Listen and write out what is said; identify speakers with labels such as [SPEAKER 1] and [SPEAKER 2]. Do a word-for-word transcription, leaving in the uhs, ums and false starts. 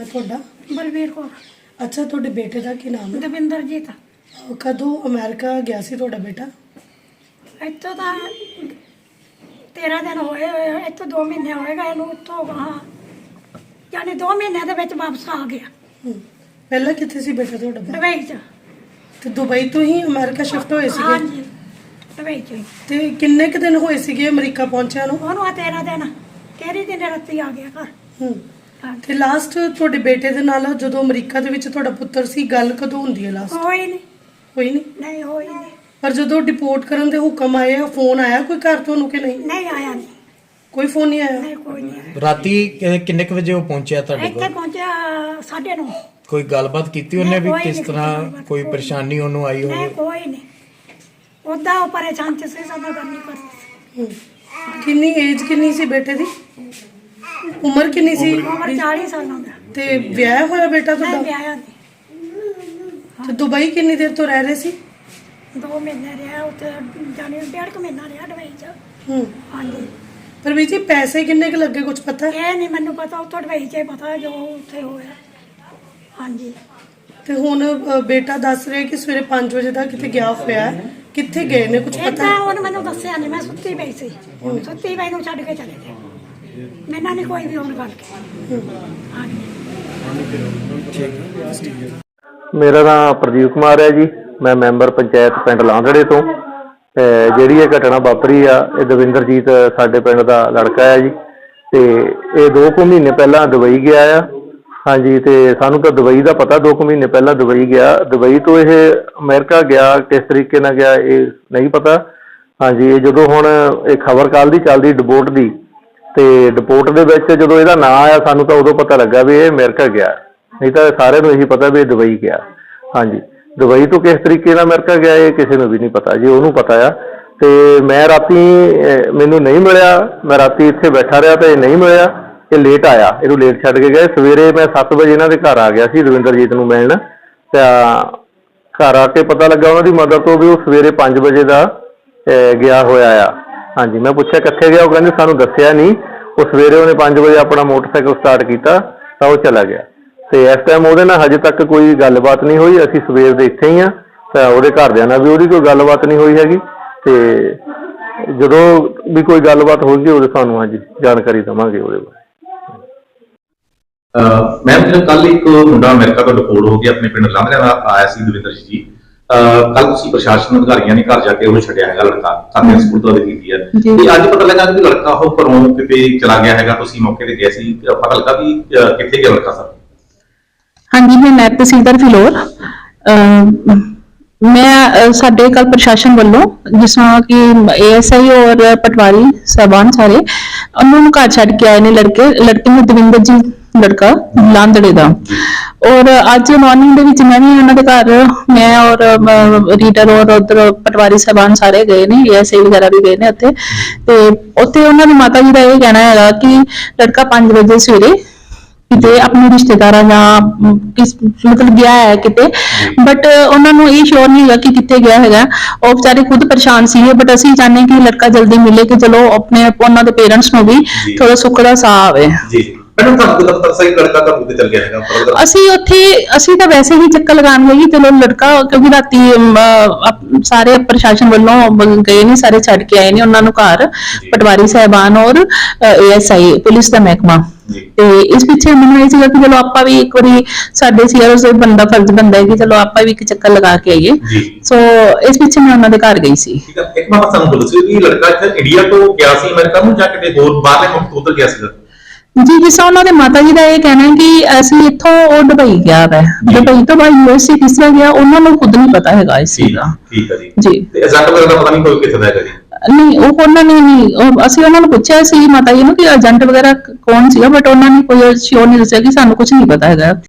[SPEAKER 1] है ਤੁਹਾਡਾ?
[SPEAKER 2] बलवीर कौर।
[SPEAKER 1] अच्छा, ਤੁਹਾਡੇ ਬੇਟੇ ਦਾ ਕੀ ਨਾਮ ਹੈ?
[SPEAKER 2] ਦਵਿੰਦਰਜੀਤ।
[SPEAKER 1] ਕਦੋਂ ਅਮਰੀਕਾ ਗਿਆ ਸੀ ਤੁਹਾਡਾ ਬੇਟਾ?
[SPEAKER 2] ਇੱਥੋਂ ਤਾਂ ਤੇਰਾਂ ਦਿਨ ਹੋਏ ਹੋਏ, ਇੱਥੋਂ ਦੋ ਮਹੀਨੇ ਹੋਏਗਾ ਇਹਨੂੰ। ਇੱਥੋਂ ਗਾਂ ਯਾਨੀ ਦੋ ਮਹੀਨਿਆਂ ਦੇ ਵਿੱਚ ਵਾਪਸ ਆ ਗਿਆ।
[SPEAKER 1] ਹੂੰ। ਪਹਿਲਾਂ ਕਿੱਥੇ ਸੀ ਬੇਟਾ ਤੁਹਾਡਾ?
[SPEAKER 2] ਦੁਬਈ 'ਚ।
[SPEAKER 1] ਤੇ ਦੁਬਈ ਤੋਂ ਹੀ ਅਮਰੀਕਾ ਸ਼ਿਫਟ ਹੋਏ ਸੀਗੇ?
[SPEAKER 2] ਹਾਂਜੀ, ਦੁਬਈ 'ਚ ਹੀ।
[SPEAKER 1] ਤੇ ਕਿੰਨੇ ਕੁ ਦਿਨ ਹੋਏ ਸੀਗੇ ਅਮਰੀਕਾ ਪਹੁੰਚਿਆ ਨੂੰ?
[SPEAKER 2] ਉਹਨੂੰ ਆ ਤੇਰਾਂ ਦਿਨ ਤੇਰੀ ਦਿਨ ਰਾਤੀ ਆ ਗਿਆ ਘਰ।
[SPEAKER 1] ਹੂੰ।
[SPEAKER 2] ਹਾਂਜੀ।
[SPEAKER 1] ਤੇ ਲਾਸਟ ਤੁਹਾਡੇ ਬੇਟੇ ਦੇ ਨਾਲ ਜਦੋਂ ਅਮਰੀਕਾ ਦੇ ਵਿੱਚ ਤੁਹਾਡਾ ਪੁੱਤਰ ਸੀ, ਗੱਲ ਕਦੋਂ ਹੁੰਦੀ ਹੈ ਲਾਸਟ?
[SPEAKER 2] ਹੋਈ ਨਹੀਂ।
[SPEAKER 1] ਹੋਈ ਨਹੀਂ?
[SPEAKER 2] ਨਹੀਂ ਹੋਈ ਨਹੀਂ।
[SPEAKER 1] ਪਰ ਜਦੋਂ ਡਿਪੋਰਟ ਕਰਨ ਦੇ ਹੁਕਮ ਆਏ ਆ, ਫੋਨ ਆਇਆ ਕੋਈ ਘਰ ਤੁਹਾਨੂੰ ਕਿ ਨਹੀਂ?
[SPEAKER 2] ਨਹੀਂ ਆਇਆ ਨਹੀਂ।
[SPEAKER 1] ਕੋਈ ਫੋਨ ਨਹੀਂ ਆਇਆ?
[SPEAKER 2] ਨਹੀਂ, ਕੋਈ ਨਹੀਂ ਆਇਆ।
[SPEAKER 3] ਰਾਤੀ ਕਿ- ਕਿੰਨੇ ਕੁ ਵਜੇ ਉਹ ਪਹੁੰਚਿਆ ਤੁਹਾਡੇ
[SPEAKER 2] ਇੱਥੇ
[SPEAKER 3] ਕੋਲ?
[SPEAKER 2] ਪਹੁੰਚਿਆ ਸਾਢੇ ਨੌ।
[SPEAKER 3] ਕੋਈ ਗੱਲਬਾਤ ਕੀਤੀ ਉਹਨੇ ਵੀ
[SPEAKER 2] ਨਹੀਂ, ਕੋਈ
[SPEAKER 3] ਕਿਸ
[SPEAKER 2] ਨਹੀਂ
[SPEAKER 3] ਤਰ੍ਹਾਂ
[SPEAKER 2] ਕੀਤੀ ਗੱਲਬਾਤ,
[SPEAKER 3] ਕੋਈ
[SPEAKER 2] ਕੋਈ
[SPEAKER 3] ਪਰੇਸ਼ਾਨੀ ਉਹਨੂੰ ਆਈ
[SPEAKER 2] ਨਹੀਂ,
[SPEAKER 3] ਹੋਵੇ?
[SPEAKER 2] ਕੋਈ ਨਹੀਂ। ਉਦਾਂ ਉਹ ਪਰੇਸ਼ਾਨ ਚ ਸੀ, ਸਾਡਾ ਗੱਲ ਨਹੀਂ ਕਰਦੀ ਸੀ।
[SPEAKER 1] ਹੂੰ। ਕਿੰਨੀ ਏਜ ਕਿੰਨੀ ਸੀ ਬੇਟੇ ਦੀ? ਉਮਰ ਕਿੰਨੀ ਸੀ?
[SPEAKER 2] ਉਮਰ ਚਾਲੀ ਸਾਲਾਂ ਦਾ।
[SPEAKER 1] ਤੇ ਵਿਆਹ ਹੋਇਆ ਬੇਟਾ
[SPEAKER 2] ਨਹੀਂ
[SPEAKER 1] ਤੁਹਾਡਾ?
[SPEAKER 2] ਵਿਆਹਿਆ ਨਹੀਂ।
[SPEAKER 1] ਤੇ ਦੁਬਈ ਕਿੰਨੀ ਦੇਰ ਤੋਂ ਰਹਿ ਰਹੇ ਸੀ?
[SPEAKER 2] ਦੋ ਮਹੀਨੇ ਰਿਹਾ ਉੱਥੇ, ਜਾਣੀ ਡੇਢ ਕੁ ਮਹੀਨਾ ਰਿਹਾ ਦੁਬਈ 'ਚ।
[SPEAKER 1] ਹੂੰ।
[SPEAKER 2] ਹਾਂਜੀ।
[SPEAKER 1] ਪਰ ਵੀ ਜੀ ਪੈਸੇ ਕਿੰਨੇ ਕੁ ਲੱਗੇ ਕੁਝ ਪਤਾ?
[SPEAKER 2] ਇਹ ਨਹੀਂ ਮੈਨੂੰ ਪਤਾ, ਉੱਥੋਂ ਦੁਬਈ 'ਚ ਹੀ ਪਤਾ ਜੋ ਉੱਥੇ ਹੋਇਆ। ਹਾਂਜੀ।
[SPEAKER 1] ਤੇ ਹੁਣ ਅ, ਬੇਟਾ ਦੱਸ ਰਿਹਾ ਕਿ ਸਵੇਰੇ ਪੰਜ ਵਜੇ ਦਾ ਕਿਤੇ ਗਿਆ ਹੋਇਆ ਹੈ। ਕਿੱਥੇ ਗਏ ਨੇ ਕੁਝ ਪਤਾ?
[SPEAKER 2] ਏਦਾਂ ਉਹਨੇ ਮੈਨੂੰ ਦੱਸਿਆ ਨਹੀਂ, ਮੈਂ ਸੁੱਤੀ ਪਈ ਸੀ। ਸੁੱਤੀ ਪਈ ਨੂੰ ਛੱਡ ਕੇ ਚਲੇ ਗਏ। ਮੈਨਾਂ ਨਹੀਂ ਕੋਈ ਵੀ ਹੁਣ ਗੱਲ ਕੀਤੀ। ਹਾਂਜੀ।
[SPEAKER 4] ਮੇਰਾ ਨਾਮ ਪ੍ਰਦੀਪ ਕੁਮਾਰ ਹੈ ਜੀ। ਮੈਂ ਮੈਂਬਰ ਪੰਚਾਇਤ ਪਿੰਡ ਲਾਂਦੜੇ ਤੋਂ। ਤੇ ਜਿਹੜੀ ਇਹ ਘਟਨਾ ਵਾਪਰੀ ਆ, ਇਹ ਦਵਿੰਦਰਜੀਤ ਸਾਡੇ ਪਿੰਡ ਦਾ ਲੜਕਾ ਹੈ ਜੀ। ਤੇ ਇਹ ਦੋ ਕੁ ਮਹੀਨੇ ਪਹਿਲਾਂ ਦੁਬਈ ਗਿਆ ਆ। ਹਾਂਜੀ। ਤੇ ਸਾਨੂੰ ਤਾਂ ਦੁਬਈ ਦਾ ਪਤਾ, ਦੋ ਕੁ ਮਹੀਨੇ ਪਹਿਲਾਂ ਦੁਬਈ ਗਿਆ। ਦੁਬਈ ਤੋਂ ਇਹ ਅਮਰੀਕਾ ਗਿਆ, ਕਿਸ ਤਰੀਕੇ ਨਾਲ ਗਿਆ ਇਹ ਨਹੀਂ ਪਤਾ। ਹਾਂਜੀ। ਇਹ ਜਦੋਂ ਹੁਣ ਇਹ ਖਬਰ ਕੱਲ੍ਹ ਦੀ ਚੱਲਦੀ ਡਿਪੋਰਟ ਦੀ, ਤੇ ਡਿਪੋਰਟ ਦੇ ਵਿੱਚ ਜਦੋਂ ਇਹਦਾ ਨਾਂ ਆਇਆ ਸਾਨੂੰ ਤਾਂ ਉਦੋਂ ਪਤਾ ਲੱਗਾ ਵੀ ਇਹ ਅਮਰੀਕਾ ਗਿਆ, ਨਹੀਂ ਤਾਂ ਸਾਰਿਆਂ ਨੂੰ ਇਹੀ ਪਤਾ ਵੀ ਇਹ ਦੁਬਈ ਗਿਆ। ਹਾਂਜੀ। ਦੁਬਈ ਤੋਂ ਕਿਸ ਤਰੀਕੇ ਨਾਲ ਅਮਰੀਕਾ ਗਿਆ ਇਹ ਕਿਸੇ ਨੂੰ ਵੀ ਨਹੀਂ ਪਤਾ ਜੀ, ਉਹਨੂੰ ਪਤਾ ਆ। ਤੇ ਮੈਂ ਰਾਤੀ ਮੈਨੂੰ ਨਹੀਂ ਮਿਲਿਆ, ਮੈਂ ਰਾਤੀ ਇੱਥੇ ਬੈਠਾ ਰਿਹਾ ਤੇ ਇਹ ਨਹੀਂ ਮਿਲਿਆ। ਇਹ ਲੇਟ ਆਇਆ, ਇਹਨੂੰ ਲੇਟ ਛੱਡ ਕੇ ਗਏ। ਸਵੇਰੇ ਮੈਂ ਸੱਤ ਵਜੇ ਇਹਨਾਂ ਦੇ ਘਰ ਆ ਗਿਆ ਸੀ ਦਵਿੰਦਰਜੀਤ ਨੂੰ ਮਿਲਣ। ਤਾਂ ਘਰ ਆ ਕੇ ਪਤਾ ਲੱਗਾ ਉਹਨਾਂ ਦੀ ਮਦਰ ਤੋਂ ਵੀ ਉਹ ਸਵੇਰੇ ਪੰਜ ਵਜੇ ਦਾ ਗਿਆ ਹੋਇਆ ਆ। ਹਾਂਜੀ। ਮੈਂ ਪੁੱਛਿਆ ਕਿੱਥੇ ਗਿਆ, ਉਹ ਕਹਿੰਦੇ ਸਾਨੂੰ ਦੱਸਿਆ ਨਹੀਂ। ਉਹ ਸਵੇਰੇ ਉਹਨੇ ਪੰਜ ਵਜੇ ਆਪਣਾ ਮੋਟਰਸਾਈਕਲ ਸਟਾਰਟ ਕੀਤਾ ਤਾਂ ਉਹ ਚਲਾ ਗਿਆ। ਤੇ ਇਸ ਟਾਈਮ ਉਹਦੇ ਨਾਲ ਹਜੇ ਤੱਕ ਕੋਈ ਗੱਲਬਾਤ ਨਹੀਂ ਹੋਈ। ਅਸੀਂ ਸਵੇਰ ਦੇ ਇੱਥੇ ਹੀ ਹਾਂ। ਤਾਂ ਉਹਦੇ ਘਰਦਿਆਂ ਨਾਲ ਵੀ ਉਹਦੀ ਕੋਈ ਗੱਲਬਾਤ ਨਹੀਂ ਹੋਈ ਹੈਗੀ। ਤੇ ਜਦੋਂ ਵੀ ਕੋਈ ਗੱਲਬਾਤ ਹੋਊਗੀ ਉਹਦੇ ਸਾਨੂੰ ਹਾਂਜੀ ਜਾਣਕਾਰੀ ਦੇਵਾਂਗੇ ਉਹਦੇ ਬਾਰੇ।
[SPEAKER 5] ਮੈਮ, ਜਦੋਂ ਕੱਲ ਇੱਕ ਮੁੰਡਾ ਅਮਰੀਕਾ ਤੋਂ ਡਿਪੋਰਟ ਹੋ ਕੇ ਆਪਣੇ ਪਿੰਡ ਲਾਂਘਰਿਆਂ ਦਾ ਆਇਆ ਸੀ ਦਵਿੰਦਰ ਜੀ, ਕੱਲ ਤੁਸੀਂ ਪ੍ਰਸ਼ਾਸਨ ਅਧਿਕਾਰੀਆਂ ਨੇ ਘਰ ਜਾ ਕੇ ਉਹਨੂੰ ਛੱਡਿਆ ਹੈਗਾ ਲੜਕਾ, ਖਾਤੇ ਸਪੁਰਦ ਕੀਤੀ ਹੈ। ਤੇ ਅੱਜ ਪਤਾ ਲੱਗਾ ਕਿ ਲੜਕਾ ਉਹ ਘਰੋਂ ਕਿਤੇ ਚਲਾ ਗਿਆ ਹੈਗਾ। ਤੁਸੀਂ ਮੌਕੇ ਤੇ ਗਏ ਸੀ, ਪਤਾ ਲੱਗਾ ਵੀ ਕਿੱਥੇ ਗਿਆ ਲੜਕਾ ਸਰ?
[SPEAKER 6] ਹਾਂਜੀ, ਮੈਂ ਨਾਇਬ ਤਹਿਸੀਲਦਾਰ ਫਿਲੌਰ। ਮੈਂ ਸਾਡੇ ਕੱਲ ਪ੍ਰਸ਼ਾਸਨ ਵੱਲੋਂ ਜਿਸ ਤਰ੍ਹਾਂ ਕਿ ਏਐਸਆਈ ਔਰ ਪਟਵਾਰੀ ਸਾਹਿਬਾਨ ਸਾਰੇ ਉਹਨਾਂ ਨੂੰ ਘਰ ਛੱਡ ਕੇ ਆਏ ਨੇ ਲੜਕੇ ਲੜਕੇ ਨੂੰ ਦਵਿੰਦਰ ਜੀ ਲੜਕਾ ਲਾਂਦੜੇ ਦਾ। ਔਰ ਅੱਜ ਮਾਰਨਿੰਗ ਦੇ ਵਿੱਚ ਮੈਂ ਵੀ ਉਹਨਾਂ ਦੇ ਘਰ, ਮੈਂ ਔਰ ਰੀਡਰ ਔਰ ਉਧਰ ਪਟਵਾਰੀ ਸਾਹਿਬਾਨ ਸਾਰੇ ਗਏ ਨੇ, ਏਐਸਆਈ ਵਗੈਰਾ ਵੀ ਗਏ ਨੇ ਉੱਥੇ। ਤੇ ਉੱਥੇ ਉਹਨਾਂ ਦੀ ਮਾਤਾ ਜੀ ਦਾ ਇਹ ਕਹਿਣਾ ਹੈਗਾ ਕਿ ਲੜਕਾ ਪੰਜ ਵਜੇ ਸਵੇਰੇ ਕਿਤੇ ਆਪਣੇ ਰਿਸ਼ਤੇਦਾਰਾਂ ਜਾਂ ਕਿਸ ਮਤਲਬ ਗਿਆ ਹੈ ਕਿਤੇ, ਬਟ ਉਹਨਾਂ ਨੂੰ ਇਹ ਸ਼ੋਰ ਨਹੀਂ ਹੈਗਾ ਕਿ ਕਿੱਥੇ ਗਿਆ ਹੈਗਾ। ਉਹ ਵਿਚਾਰੇ ਖੁਦ ਪਰੇਸ਼ਾਨ ਸੀਗੇ, ਬਟ ਅਸੀਂ ਚਾਹੁੰਦੇ ਕਿ ਲੜਕਾ ਜਲਦੀ ਮਿਲੇ ਕਿ ਚਲੋ ਆਪਣੇ ਉਹਨਾਂ ਦੇ ਪੇਰੈਂਟਸ ਨੂੰ ਵੀ ਥੋੜਾ ਸੁੱਖ ਦਾ ਸਾਹ ਆਵੇ।
[SPEAKER 5] ਜੀ ਮੈਡਮ, ਤੁਹਾਨੂੰ ਤਾਂ ਪਤਾ ਸੀ ਲੜਕਾ ਘਰ ਤੇ ਚਲ ਗਿਆ ਹੈਗਾ?
[SPEAKER 6] ਅਸੀਂ ਉੱਥੇ ਅਸੀਂ ਤਾਂ ਵੈਸੇ ਹੀ ਚੱਕਰ ਲਗਾਉਣ ਗਏ ਕਿ ਚਲੋ ਲੜਕਾ, ਕਿਉਂਕਿ ਰਾਤੀ ਸਾਰੇ ਪ੍ਰਸ਼ਾਸਨ ਵੱਲੋਂ ਗਏ ਨੇ, ਸਾਰੇ ਛੱਡ ਕੇ ਆਏ ਨੇ ਉਹਨਾਂ ਨੂੰ ਘਰ, ਪਟਵਾਰੀ ਸਾਹਿਬਾਨ ਔਰ ਏਐਸਆਈ ਪੁਲਿਸ ਦਾ ਮਹਿਕਮਾ। ਤੇ ਇਸ ਪਿੱਛੇ ਮੈਨੂੰ ਇਹ ਸੀਗਾ ਕਿ ਚਲੋ ਆਪਾਂ ਵੀ ਇੱਕ ਵਾਰੀ ਸਾਡੇ ਸੀਆਰਓ ਦੇ ਬੰਦਾ ਫਰਜ਼ ਬਣਦਾ ਹੈ ਕਿ ਚਲੋ ਆਪਾਂ ਵੀ ਇੱਕ ਚੱਕਰ ਲਗਾ ਕੇ ਆਈਏ। ਸੋ ਇਸ ਪਿੱਛੇ ਮੈਂ ਉਹਨਾਂ ਦੇ ਘਰ ਗਈ ਸੀ।
[SPEAKER 5] ਠੀਕ ਹੈ। ਇੱਕ ਵਾਰ ਸਾਨੂੰ ਬੋਲੋ ਸੀ ਕਿ ਲੜਕਾ ਇੱਥੇ ਇੰਡੀਆ ਤੋਂ ਗਿਆ ਸੀ ਅਮਰੀਕਾ ਨੂੰ ਜਾਂ ਕਿਤੇ ਹੋਰ ਬਾਹਰਲੇ ਮੁਲਕ ਤੋਂ ਉੱਧਰ ਗਿਆ ਸੀ?
[SPEAKER 6] ਜੀ, ਜਿਸ ਤਰ੍ਹਾਂ ਉਹਨਾਂ ਦੇ ਮਾਤਾ ਜੀ ਦਾ ਇਹ ਕਹਿਣਾ ਹੈ ਕਿ ਅਸੀਂ ਇੱਥੋਂ ਉਹ ਦੁਬਈ ਗਿਆ ਹੈ, ਦੁਬਈ ਤੋਂ ਬਾਅਦ ਯੂਐਸਏ ਕਿਸ ਤਰ੍ਹਾਂ ਗਿਆ ਉਹਨਾਂ ਨੂੰ ਖੁਦ ਨਹੀਂ ਪਤਾ ਹੈਗਾ ਇਸ ਚੀਜ਼ ਦਾ।
[SPEAKER 5] ਠੀਕ ਹੈ ਜੀ।
[SPEAKER 6] ਜੀ।
[SPEAKER 5] ਤੇ ਏਜੰਟ ਵਗੈਰਾ ਦਾ ਪਤਾ ਨਹੀਂ ਕੋਈ ਕਿੱਥੇ ਦਾ ਹੈਗਾ ਜੀ?
[SPEAKER 6] ਨਹੀਂ, ਉਹ ਉਹਨਾਂ ਨੇ ਨਹੀਂ, ਅਸੀਂ ਉਹਨਾਂ ਨੂੰ ਪੁੱਛਿਆ ਸੀ ਮਾਤਾ ਜੀ ਨੂੰ ਕਿ ਏਜੰਟ ਵਗੈਰਾ ਕੌਣ ਸੀਗਾ, ਬਟ ਉਹਨਾਂ ਨੇ ਕੋਈ ਸ਼ੋਰ ਨਹੀਂ ਦੱਸਿਆ ਕਿ ਸਾਨੂੰ ਕੁਝ ਨਹੀਂ ਪਤਾ ਹੈਗਾ।